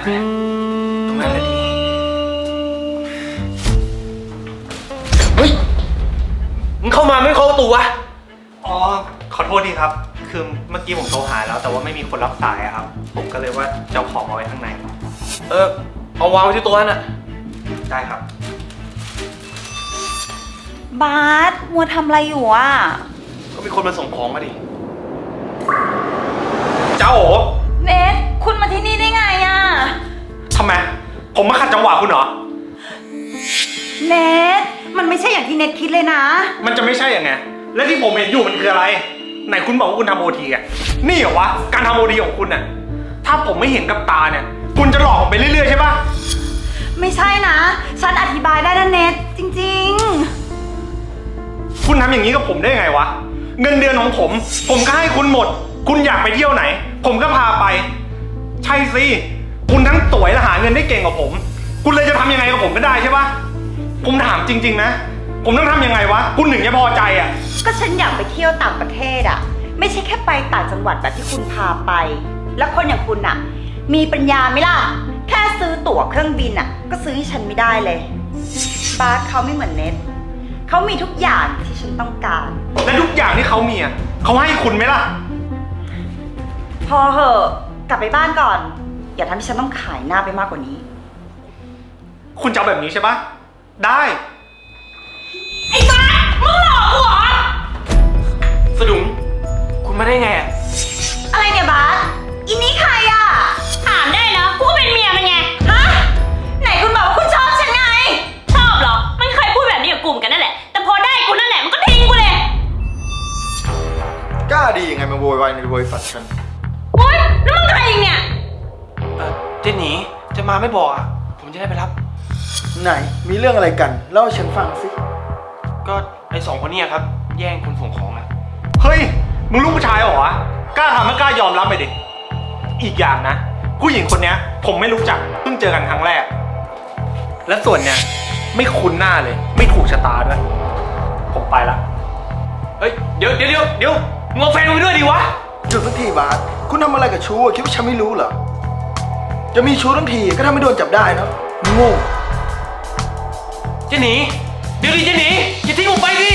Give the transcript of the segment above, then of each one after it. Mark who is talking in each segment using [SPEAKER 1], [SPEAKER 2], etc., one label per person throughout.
[SPEAKER 1] ตรงนั้นแหละดีเฮ้ยมึงเข้ามาไม่เคาะประตูวะ
[SPEAKER 2] อ๋อขอโทษทีครับคือเมื่อกี้ผมโทรหาแล้วแต่ว่าไม่มีคนรับสายครับผมก็เลยว่าจะเอาของเอาไว้ข้างใน
[SPEAKER 1] เอาวางไว้ที่โต๊ะนั่นน่ะ
[SPEAKER 2] ได้ครับ
[SPEAKER 3] บาสมัวทำอะไรอยู่อ่ะ
[SPEAKER 1] ก็มีคนมาส่งของมาดิเจ้าโอ๋
[SPEAKER 3] เนทคุณมาที่นี่ได้ไงอ่ะ
[SPEAKER 2] ทำไมผมมาขัดจังหวะคุณเหรอ
[SPEAKER 3] เนทมันไม่ใช่อย่างที่เนทคิดเลยนะ
[SPEAKER 2] มันจะไม่ใช่ยังไงและที่ผมเห็นอยู่มันคืออะไรไหนคุณบอกว่าคุณทำโอทีอ่ะนี่เหรอวะการทำโอทีของคุณน่ะถ้าผมไม่เห็นกับตาเนี่ยคุณจะหลอกผมไปเรื่อยๆใช่ปะ
[SPEAKER 3] ไม่ใช่นะฉันอธิบายได้นะเนทจริง
[SPEAKER 2] คุณทำอย่างนี้กับผมได้ไงวะเงินเดือนของผมก็ให้คุณหมดคุณอยากไปเที่ยวไหนผมก็พาไปใช่สิคุณทั้งสวยและหาเงินได้เก่งกว่าผมคุณเลยจะทำยังไงกับผมก็ได้ใช่ปะผมถามจริงๆนะผมต้องทำยังไงวะคุณถึงจะพอใจอ่ะ
[SPEAKER 3] ก็ฉันอยากไปเที่ยวต่างประเทศอ่ะไม่ใช่แค่ไปต่างจังหวัดแบบที่คุณพาไปแล้วคนอย่างคุณอ่ะมีปัญญาไหมล่ะแค่ซื้อตั๋วเครื่องบินอ่ะก็ซื้อให้ฉันไม่ได้เลยบาสเขาไม่เหมือนเนทเขามีทุกอย่างที่ฉันต้องการ
[SPEAKER 2] และทุกอย่างที่เขามีอ่ะเขาให้คุณไหมล่ะ
[SPEAKER 3] พอเหอะกลับไปบ้านก่อนอย่าทำให้ฉันต้องขายหน้าไปมากกว่านี้
[SPEAKER 2] คุณจะเอาแบบนี้ใช่ปะได้
[SPEAKER 3] ไอ้บ้ามึงหลอกกูเหรอ
[SPEAKER 1] สะดุ้งคุณมาได้ไงอะ
[SPEAKER 3] อะไรเนี่ยบาสอินนี่ใครอะ
[SPEAKER 4] ถามได้นะกูก็เป็นเมียมันไง
[SPEAKER 3] ฮะไหนคุณบอกว่าคุณชอบฉันไง
[SPEAKER 4] ชอบเหรอมันเคยพูดแบบนี้กับกูเหมือนกันนั่นแหละแต่พอได้กูนั่นแหละมันก็ทิ้งกูเลย
[SPEAKER 5] กล้าดียังไงมาโวยวายในบริษัทฉัน
[SPEAKER 4] โอ๊ยแล้วมึงใครอีกเนี่ย
[SPEAKER 1] เจ๊หนีจะมาไม่บอกอะผมจะได้ไปรับ
[SPEAKER 5] ไหนมีเรื่องอะไรกันเล่าให้ฉันฟังสิ
[SPEAKER 1] ก็ไอ้2 คนนี้ครับแย่งคนส่งของอะ
[SPEAKER 2] เฮ้ยมึงลูกผู้ชายเหรอวะกล้าทำไม่กล้ายอมรับไปดิอีกอย่างนะผู้หญิงคนนี้ผมไม่รู้จักเพิ่งเจอกันครั้งแรกและส่วนเนี้ยไม่คุ้นหน้าเลยไม่ถูกชะตาด้วยผมไปละ
[SPEAKER 1] เฮ้ยเดี๋ยวมึงเอาแฟนมึงไปด้วยดิวะ
[SPEAKER 5] หยุดสักทีบาสคุณทำอะไรกับชู้คิดว่าฉันไม่รู้เหรอจะมีชู้ทั้งทีก็ทำให้โดนจับได้เนาะโง่
[SPEAKER 1] เจ๊หนีเดี๋ยวดิเจ๊หนีอย่าทิ้งผมไปดิ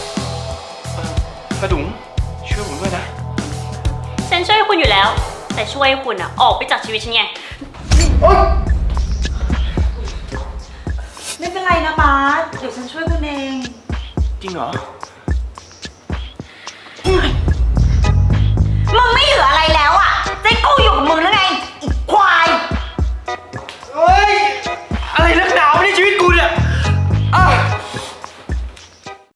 [SPEAKER 1] กระดุ๋งช่วยผมด้วยนะ
[SPEAKER 4] ฉันช่วยคุณอยู่แล้วแต่ช่วยคุณอะออกไปจากชีวิตฉันไง
[SPEAKER 3] ไม่เป็นไรนะบาสเดี๋ยวฉันช่วยคุณเอง
[SPEAKER 1] จริงเหรอ
[SPEAKER 3] มึงไม่เหลืออะไรแล้วอ่ะเจ๊กูอยู่กับมึงแล้วไง